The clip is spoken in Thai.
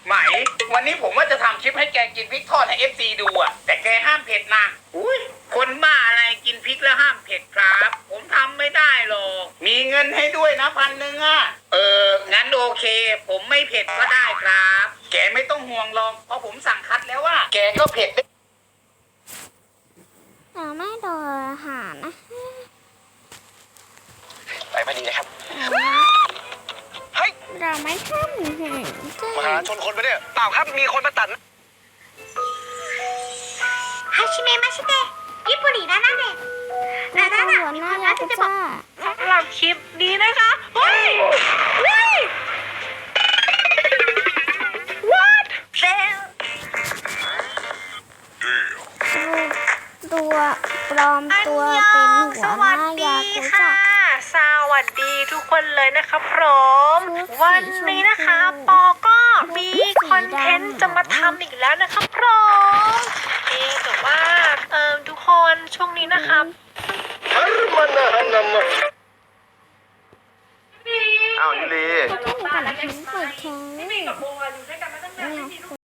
ไหมวันนี้ผมว่าจะทำคลิปให้แกกินพริกทอดให้ FC ดูอะแต่แกห้ามเผ็ดนะอุ้ยคนบ้าอะไรกินพริกแล้วห้ามเผ็ดครับ ผมทำไม่ได้หรอกมีเงินให้ด้วยนะ1,000อะงั้นโอเค ผมไม่เผ็ดก็ได้ครับ แกไม่ต้องห่วงหรอกเพราะผมสั่งคัดแล้วว่าแกก็เผ็ดเราไม่โดนอาหารนะไปพอดีนะครับเราไม่ทำมหาชนคนไปเนี่ยเปล่าครับมีคนมาตัดはじめましてญี่ปุ่นนี่นะเนี่ยนะหัวหน้ายากุซ่าสำหรับคลิปนี้นะคะเฮ้ย what เซลตัวปลอมตัวเป็นหัวหน้ายากุซ่าสวัสดีทุกคนเลยนะครับผมวันนี้นะคะปอก็มีคอนเทนต์จะมาทำอีกแล้วนะครับผมแต่ว่าทุกคนช่วงนี้นะครับอ้าวยูรีถ้าเป็นคอนเทนต์เปิดแข่งพี่กับโบอยู่ด้วยกันมาตั้งนาน